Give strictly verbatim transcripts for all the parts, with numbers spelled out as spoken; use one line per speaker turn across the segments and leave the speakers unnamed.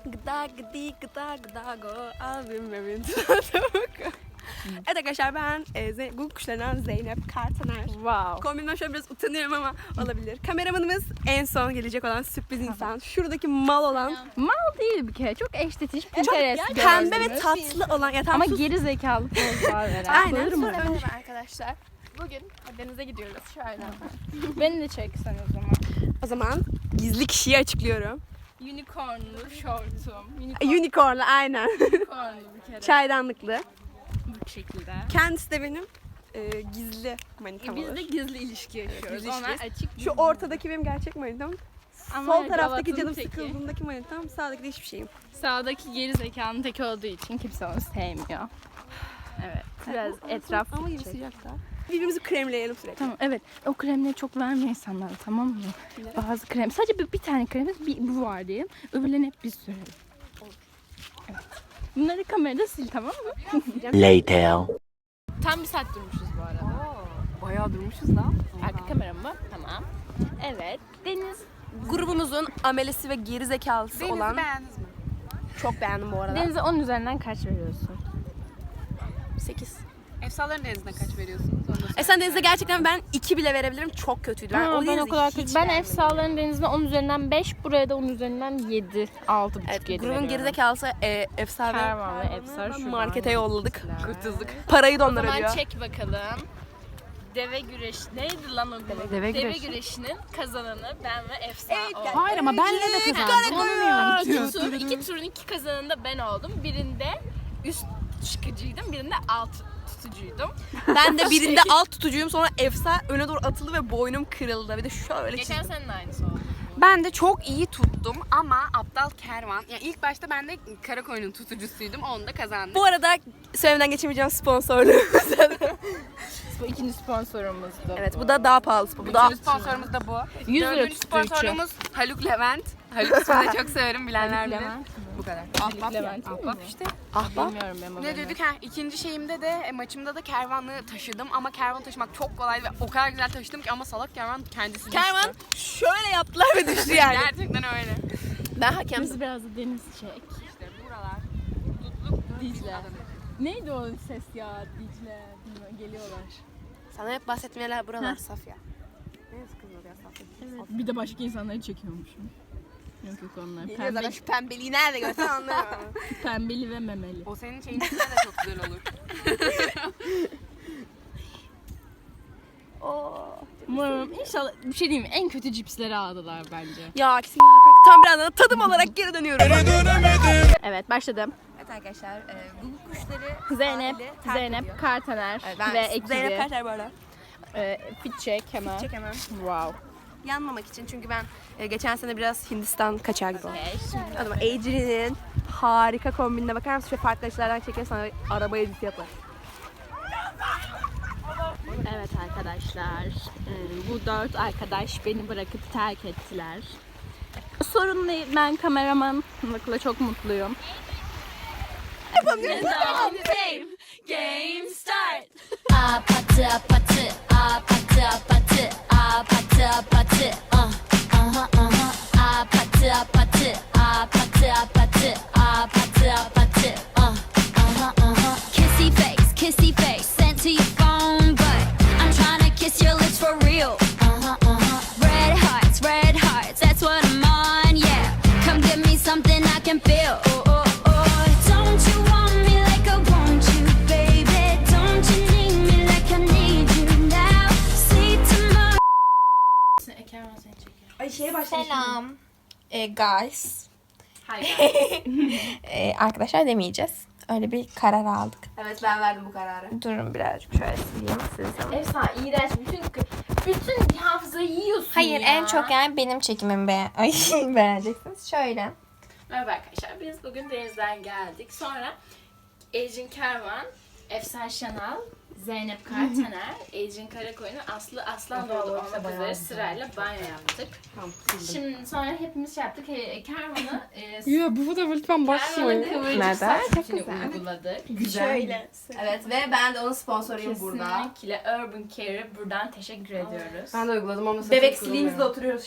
Gıda gıdi gıda gıda go abim evin Evet arkadaşlar ben e, Ze- Google kuşlarından Zeynep Kartaner.
Wow.
Kombinimden şöyle biraz utanıyorum ama olabilir. Kameramanımız en son gelecek olan sürpriz insan. Şuradaki mal olan.
Mal değil bir kere. Çok eşletiş, Pinterest
Pembe ve
gözlü.
tatlı olan. Ya, tam
Ama
sus.
geri zekalı pozlar veren.
Aynen.
Bağırma.
Sonra önce
Arkadaşlar bugün denize gidiyoruz şöyle.
Beni de çek sen o zaman.
o zaman gizli kişiyi açıklıyorum.
Unicornlu şortum. Unicorn,
Unicorn'la aynen.
unicornlu bir kere.
Çaydanlıklı.
Bu şekilde.
Kendisi de benim e, gizli manitam
Biz
olur.
de gizli ilişki yaşıyoruz.
gizli
Onlar
ilişki.
açık.
Şu ortadaki benim gerçek manitam.
Ama
Sol taraftaki
gavatın
canım
teki.
sıkıldığındaki manitam. Sağdaki de hiçbir şeyim.
Sağdaki geri zekanın tek olduğu için kimse onu sevmiyor. Evet. Biraz etraf
Ama yine
çek.
sıcakta. Birbirimizi kremleyelim sürekli.
Tamam evet. O kremleri çok vermiyor insanlara, tamam mı? Bazı krem. Sadece bir, bir tane kremimiz bir, bu var diyelim. Öbürlerini hep biz sürelim. Evet. Bunları kamerada sil, tamam mı?
Later.
Tam bir saat durmuşuz bu arada.
Bayağı durmuşuz lan.
Arka kameram mı? Tamam. Evet. Deniz.
Grubumuzun amelesi ve geri zekalısı
Denizi
olan.
beğendiniz mi?
Çok beğendim bu arada.
Denize on üzerinden kaç veriyorsun?
sekiz.
Efsaların denizine kaç veriyorsunuz? Onu da
E sen Deniz'de gerçekten ben iki bile verebilirim. Çok kötüydü. Ben,
Ben,
o
ben
denizi
o kadar
hiç
kötü. Ben
beğenmedim.
Efsaların denizine on üzerinden beş, buraya da on üzerinden yedi. altı buçuk
Evet,
yedi
grubun
veriyorum.
gerizekalısı e, Efsane.
Kervan ve Efsar şuradan
Markete yolladık.
gittiler.
Kurtulduk. Parayı da
O
onlar
zaman
ödüyor.
çek bakalım. Deve güreş neydi lan o gün?
Deve güreşi.
güreşinin kazananı ben ve Efsa oldum.
Hayır ama benle de kazandım.
İki, tur, iki turun iki kazanında ben oldum. Birinde üst çıkıcıydım, birinde alt tutucuydum.
Ben de birinde alt tutucuyum. Sonra Efsa öne doğru atıldı ve boynum kırıldı. Bir de şöyle
Geçen
çizdim.
senin aynısı oldu.
Ben de çok iyi tuttum ama aptal kervan. Yani ilk başta ben de Karakoyun'un tutucusuydum. Onu da kazandım.
Bu arada söylemeden geçemeyeceğim sponsorluğumuz.
Bu ikinci sponsorumuzdu.
Evet bu da daha pahalı spor. Bu da
Üçüncü sponsorumuz da bu.
yüz lira
Dördüncü
tutucu.
sponsorumuz Haluk Levent. Haluk ismini de çok severim, bilenler bilir.
Levent.
Bu kadar. Ahbap ya.
Levent değil mi
Ahbap
bu?
işte.
ahbap.
Bilmiyorum ben o
Ne
bölümü.
dedik ha? İkinci şeyimde de e, maçımda da kervanı taşıdım ama kervan taşımak çok kolaydı ve o kadar güzel taşıdım ki ama salak kervan kendisi düştü.
Kervan şöyle yaptılar ve düştü yani.
Gerçekten öyle.
Ben hakemdim.
Biz biraz da deniz çek.
İşte buralar.
Dicle. Neydi o ses ya? Dicle. Bilmiyorum, geliyorlar.
Sana hep bahsetmeyeler buralar Safya. Ne yazık kız ya Safya.
Evet. Bir de başka insanları çekiyormuşum. Yok yok onlar.
Geliyor zaten
Pembe,
şu pembeliği nerede görsen anlarım.
pembeli ve memeli.
O senin şeyin içinde de çok güzel olur.
Umarım inşallah bir şey diyeyim mi? En kötü cipsleri aldılar bence.
Ya kesin bırak. Tam birazdan tadım olarak geri dönüyorum.
Evet başladım.
Evet arkadaşlar, e, Google kuşları
Zeynep,
sahili terk
Zeynep,
ediyor.
Kartaner
Evet, ben
ve ekibi.
Zeynep Kartaner bu arada.
E, fit check hemen.
Çek hemen.
Wow.
Yanmamak için çünkü ben e, geçen sene biraz Hindistan kaçağı gibi oldum.
Okay, şimdi
O zaman Adrian'in harika kombinine bakar mısın? Şöyle farklı açılardan çeker sana araba editi yapar.
evet arkadaşlar, e, bu dört arkadaş beni bırakıp terk ettiler. Sorun değil, ben kameramanlıkla çok mutluyum. Game start.
Apatı apatı apatı apatı apatı apatı ah aha aha apatı apatı apatı apatı apatı apatı ah aha aha kissy face kissy face sent to your phone but I'm trying to kiss your lips for real uh-huh uh-huh red hearts red hearts that's what I'm on yeah come give me something I can feel oh oh oh don't you want me like I want you baby don't you need me like I need you now see tomorrow.
Ay şeye başlamışım.
Selam. E, guys.
Hayır.
E, arkadaşlar demeyeceğiz. Öyle bir karar aldık.
Evet ben verdim bu kararı.
Durun birazcık şöyle sileyim sizi.
Efsane, iğrenç. Bütün bütün bir hafızayı yiyorsun
Hayır
ya.
en çok yani benim çekimimi be Ay, beğeneceksiniz. Şöyle.
Merhaba arkadaşlar. Biz bugün denizden geldik. Sonra Ecin Kervan, Efsar Şanal, Zeynep Kartaner, Ecin Karakoyun'un Aslı Aslanoğlu olmak üzere sırayla banyo yaptık. Şimdi sonra hepimiz şey yaptık. He, Kervan'ı e,
Ya bu fotoğrafı lütfen
Kervan'ın kıvırcık
Neden?
saçını uyguladık.
Şöyle. Evet ve ben de onun sponsoruyum burada.
Kesinlikle Urban Care'e buradan teşekkür ediyoruz.
Ben de uyguladım ama
Bebek siliğimizle oturuyoruz şimdi.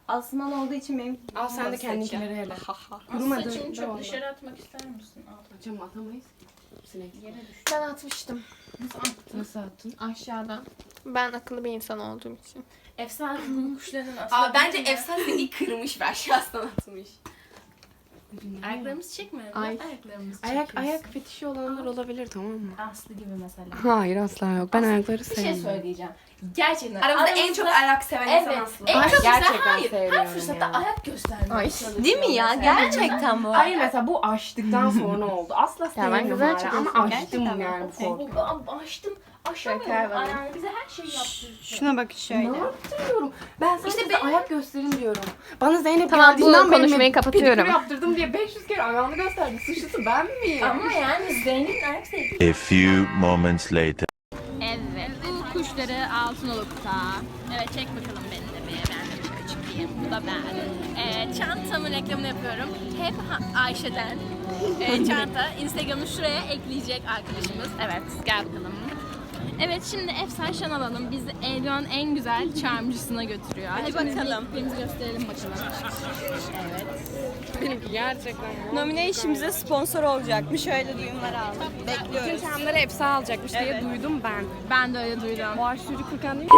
Asman olduğu için benim
Al sen de kendinkileri hele.
Aslı saçını çok dışarı atmak ister misin? Al.
Hocam atamayız. Sinek.
Yere düş.
Ben atmıştım
Nasıl attın?
aşağıdan. Ben akıllı bir insan olduğum için.
Efsane Google kuşlarının aslında...
Aa, bence efsane seni kırmış ve aşağısından atmış.
Ayaklarımızı çekme.
Ay.
Ayaklarımızı
Ayak
çekiyorsun.
ayak fetişi olanlar olabilir, tamam mı?
Aslı gibi mesela.
Hayır asla yok. Ben ayakları
Bir şey
sevmiyorum.
söyleyeceğim. Gerçekten.
Aramızda en çok ayak seven insan
Evet.
Aslı.
En
Ay,
çok
gerçekten
güzel. Hayır.
sevmiyorum
Her fırsatta
ya.
ayak göstermeye çalışıyor.
Değil mi ya?
mesela.
Gerçekten bu.
Hayır mesela bu açtıktan sonra oldu. Asla
ben
sevmiyorum
güzel
hala
çıkıyorsun.
ama açtım
Gerçekten
yani bu korku.
Bu- bu- Açtım. Aşamıyorum. Yani bize her şeyi yaptırıyor.
Şuna bak şöyle.
Ne yaptırıyorum? Ben sana işte ayak gösterin diyorum. Bana Zeynep
Tamam, bu
geldiğinden beri
konuşmayı kapatıyorum.
pedikür yaptırdım diye beş yüz kere ayağını gösterdi. Suçlusu ben miyim?
Ama yani Zeynep'in ayak sevgisi.
A few moments later.
Evet, bu kuşları Altınoluk'ta. Evet, çek bakalım beni de bir. Ben de şöyle çıkayım. Bu da ben. Ee, çantamın reklamını yapıyorum. Hep ha- Ayşe'den. Ee, çanta. Instagram'ı şuraya ekleyecek arkadaşımız. Evet, gel bakalım. Evet, şimdi Efsane Şanal Hanım bizi Elvan'ın en güzel charmcısına götürüyor. Hadi bakalım. Hepimizi gösterelim bakalım. Evet.
Benimki gerçekten.
Nomination'imize sponsor olacakmış. Öyle duyumlar aldım. Bekliyoruz.
Çamları hepsi alacakmış diye duydum ben.
Ben de öyle duydum.
Boğaç Sürü Kırkan değil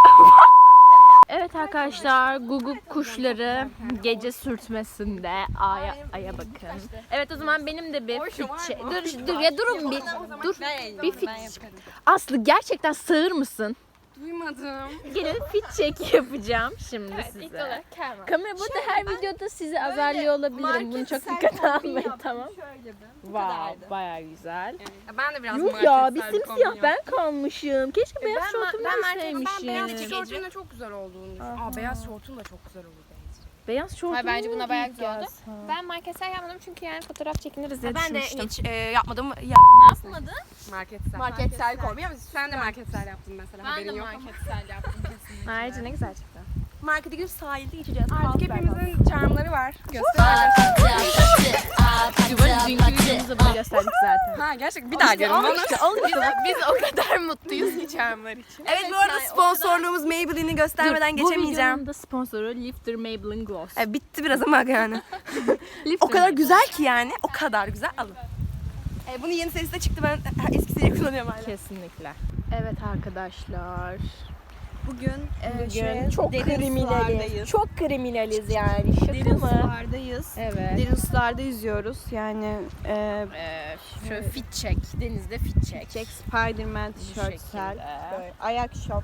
Evet arkadaşlar, guguk kuşları gece sürtmesinde aya aya bakın. Evet, o zaman benim de bir fit çek. Dur dur ya durun bir. Dur. Bir fit. Aslı gerçekten sığır mısın?
Duymadım.
Gelin fit check yapacağım şimdi size. Kamera burada her videoda sizi azarlıyor olabilirim. Bunu çok dikkate almayın, tamam. Wow, bayağı güzel.
Ben de biraz
Yok ya, bir
marketsel bir
simsiyah
kombin
ben kalmışım. Keşke beyaz
Ben,
şortumu
ben,
ben,
ben,
sevmişim.
ben beyaz tişörtün de çok güzel olduğunu düşünüyorum. Aa, beyaz şortun da çok güzel olur bence.
Beyaz şortumu
Hayır, bence buna bayağı güzel oldu.
giyeceğiz?
Ben marketsel yapmadım çünkü yani fotoğraf çekiniriz diye
Ben de
düşünmüştüm.
hiç e, yapmadım. Ya.
Marketsel.
Marketsel
kombin ama sen de marketsel yaptın mesela.
Ben
haberin
de
yok ama.
marketsel yaptım kesinlikle. Ayrıca ne güzel çıktı.
Markete gidip sahilde geçeceğiz.
Artık hepimizin charmları var. Göster.
Patı patı aa patı
Dünkü
patı.
videomuzda bunu gösterdik zaten.
Ha gerçek bir daha görün bana.
Biz, biz o kadar mutluyuz ki charmlar için.
Evet, bu arada sponsorluğumuz Maybelline'i göstermeden
Bu
geçemeyeceğim.
videonun da sponsoru Lifter Maybelline Gloss.
E, bitti biraz ama yani.
Lifter
O kadar güzel ki yani. O kadar güzel. Alın. E, bunun yeni serisi de çıktı. Ben e, eski seriyi kullanıyorum hala.
Kesinlikle. Evet arkadaşlar.
Bugün, e,
Bugün
şöyle
çok
derin
kriminaliz.
sulardayız.
Çok kriminaliz yani. Şaka
Derin
mı?
sulardayız.
Evet.
Derin sularda yüzüyoruz. Yani e,
Ee, şöyle fit check. Denizde fit check.
Jack Spiderman tişörtsel.
şekilde.
Böyle ayak şok.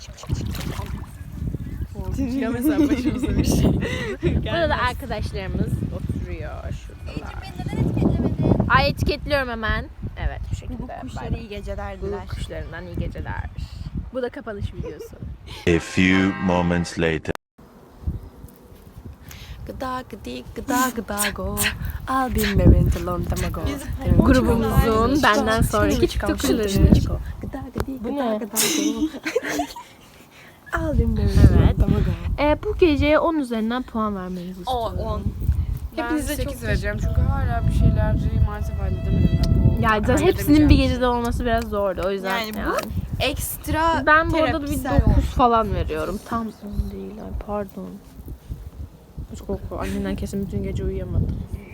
Ya mesela başımıza bir şey. Burada da arkadaşlarımız oturuyor şuradalar. Ay, etiketliyorum hemen. Evet, bu şekilde.
Bu kuşlara iyi geceler
Bu
diler.
kuşlarından iyi geceler. Bu da kapanış videosu.
A few moments later.
Gıda gıdi gıda gıda go. I'll be married a long time ago.
Grubumuzun benden sonraki TikTok'ları.
Gıda gıdi gıda gıda go. I'll be married a
Evet.
long time ago.
E, bu geceye on üzerinden puan vermenizi istiyorum.
on.
Hepinize sekiz vereceğim çünkü hala bir şeyleri maalesef halledemedim. Ya, bu
Yani zaten hepsinin bir gecede olması biraz zordu. O yüzden
Yani
yani.
bu ekstra
Ben bu arada bir
terapisel
dokuz falan veriyorum. Tam on değil. Ay pardon. Çok korku. Annenden kesin bütün gece uyuyamadı.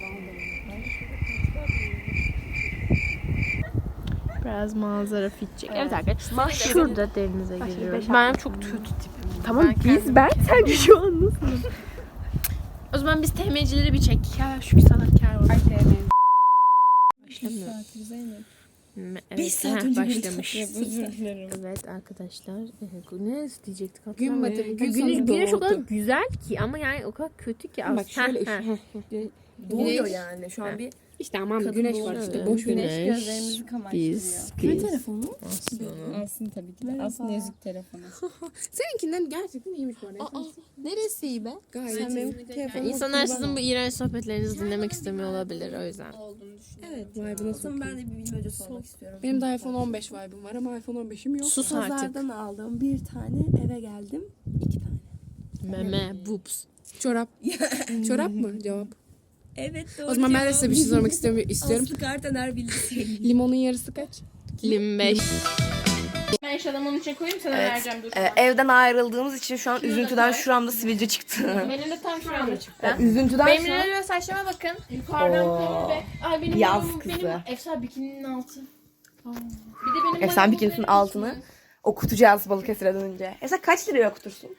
Biraz manzara fit çek. Evet arkadaşlar. Şurada denize giriyoruz. Ben çok kötü tipim. Tamam biz ben sen şu an nasılsın? O zaman biz T M'cileri bir çek. Ya şu sanatkar var.
Ay sevmeyin.
Başlamıyor. Evet,
Beş saat önce
başlamış.
bir
Evet arkadaşlar. Ne diyecektik?
Gün batımı,
Hatırlamıyorum.
gün
Güneş,
sonu
güneş o kadar
doğdu.
güzel ki ama yani o kadar kötü ki.
Bak şöyle
Heh, heh.
Doğuyor
yani şu an bir
İşte aman güneş var işte boş ver.
Güneş,
gözlerimizi kamaştırıyor.
biz, biz.
telefonu?
Aslında.
Aslında tabii ki de. Aslında yazık telefonu.
Seninkinden gerçekten iyiymiş bu arada.
Neresi iyi be?
Gayet
Sen
iyi.
benim telefonumu
İnsanlar sizin bu iğrenç sohbetlerinizi dinlemek istemiyor olabilir o yüzden.
Evet.
Vay bu nasıl?
Ben de bir bilmece sormak istiyorum.
Benim de iPhone on beş vibe'ım var ama iPhone on beşim yok.
Sus artık.
Pazardan aldım bir tane, eve geldim iki tane.
Meme, boobs.
Çorap. Çorap mı cevap?
Evet doğru.
O zaman ben de size bir şey sormak istiyorum. istiyorum.
Aslı Kartaner bildi.
Limonun yarısı kaç?
yirmi beş. Ben yaşadım onun için koyayım sana vereceğim dur.
Ee, evden ayrıldığımız için şu an üzüntüden şuramda sivilce çıktı.
Benim de tam şuramda çıktı.
Üzüntüden
Benim
şu an...
lila saçlarıma bakın. Yukarıdan pembe. Ay benim
Yaz
boyum-
kızı.
Benim Efsane bikininin altı. Aa. Bir de benim
Efsane
boyum
bikinisinin
benim
altını
için.
okutacağız Balıkesir'e dönünce. Efsane kaç liraya okutursun?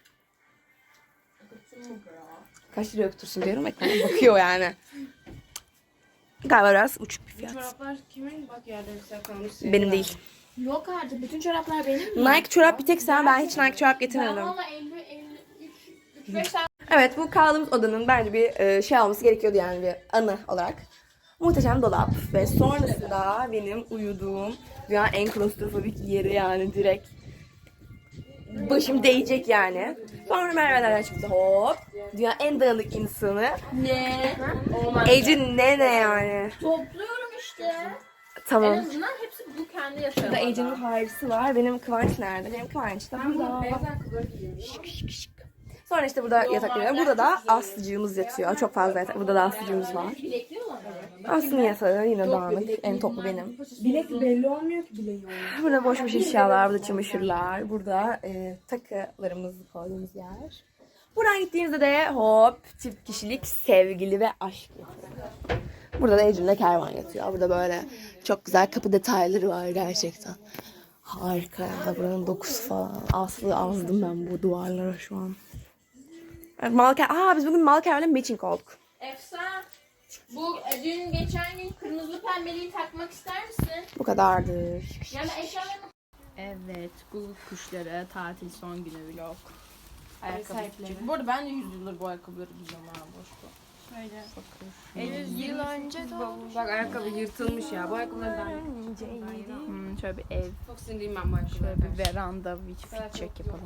Kaç liraya okutursun diyorum. Ekrana bakıyor yani. Galiba biraz uçuk bir fiyat.
Çoraplar kimin? Bak yerde güzel kalmış.
Benim değil.
Yok artık bütün çoraplar benim mi?
Nike çorap bir tek sen. Ben hiç Nike çorap
Ben
getirmedim.
valla elli, elli üç, üç beş tane
Evet, bu kaldığımız odanın bence bir e, şey olması gerekiyordu yani bir anı olarak. Muhteşem dolap ve sonrasında benim uyuduğum dünyanın en klostrofobik yeri yani direkt başım değecek yani. Sonra merdivenlerden çıktı hop. Dünyanın en dağınık insanı.
ne?
Ecin ne ne yani.
Topluyorum işte. En
Tamam.
azından hepsi bu kendi yatıyor.
Burada Ece'nin harisi var. Benim Kıvanç nerede? Benim Kıvanç da burada. Şık şık şık. Sonra işte burada yatakları var. Burada da Aslıcığımız yatıyor. Çok fazla yatak. Burada da Aslıcığımız var.
Bilekli olan mı?
Aslı'nın yatağı yine dağınık. En toplu benim.
Bilek belli olmuyor ki bileği.
Burada boş boş eşyalar, burada çamaşırlar. Burada e, takılarımızı koyduğumuz yer. Buradan gittiğimizde de hop çift kişilik sevgili ve aşk yatıyor. Burada da Ecem'le kervan yatıyor. Burada böyle çok güzel kapı detayları var gerçekten. Harika ya. Buranın dokusu falan. Aslı azdım ben bu duvarlara şu an. Evet, Malker... Aa biz bugün Malker'le matching olduk.
Efsane. Bu e, dün geçen gün kırmızı pembeliği takmak ister misin?
Bu kadardır.
Yani eşyalarını...
Evet, Google kuşları tatil son günü vlog. Ayakkabı küçük. Bu arada ben de yüz yıldır bu ayakkabıları giyiyorum ha boş bu. Şöyle. Bakın.
Yıl önce de
Bak ayakkabı yırtılmış ya. Bu ayakkabıları ben
Hmm, şöyle bir ev,
çok sinirliyim ben bu ayakkabılara.
şöyle bir veranda bir fit check yapalım.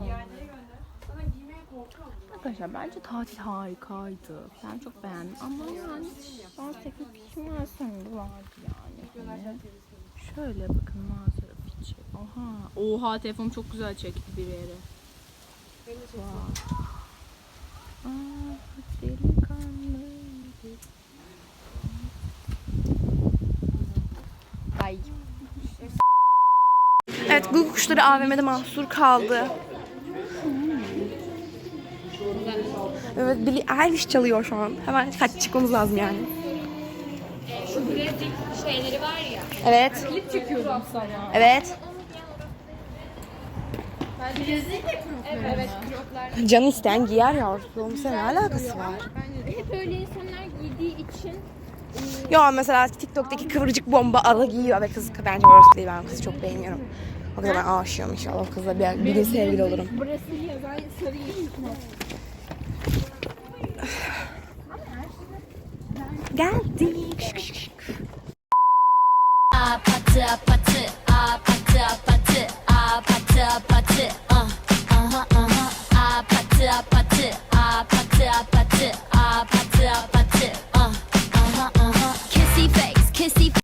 Arkadaşlar bence tatil harikaydı. Ben çok beğendim ama yani bazı teknik kimyasyonları vardı yani. Hani şöyle bakın manzara fit check. Oha. Oha telefonum çok güzel çekti bir yere. Wow. Aa, delikanlı. Ay.
Evet, Google kuşları A V M'de mahsur kaldı. Evet, Billie Eilish çalıyor şu an. Hemen kaç çıkmamız lazım yani.
Şu bilezik şeyleri var ya.
Evet.
Klip çekiyorum sana.
Evet.
Bilezik de krokları. Evet, kroklar.
Canı isteyen giyer yavrum. Senin ne alakası var?
Hep öyle insanlar giydiği için
Yo mesela TikTok'taki kıvırcık bomba ala giyiyor ve kız bence orası değil, ben kızı çok beğeniyorum. O kadar ben aşığım inşallah o kızla bir, bir gün sevgili olurum.
burası yazan sarı
Geldik. Şık şık şık.
Apatı apatı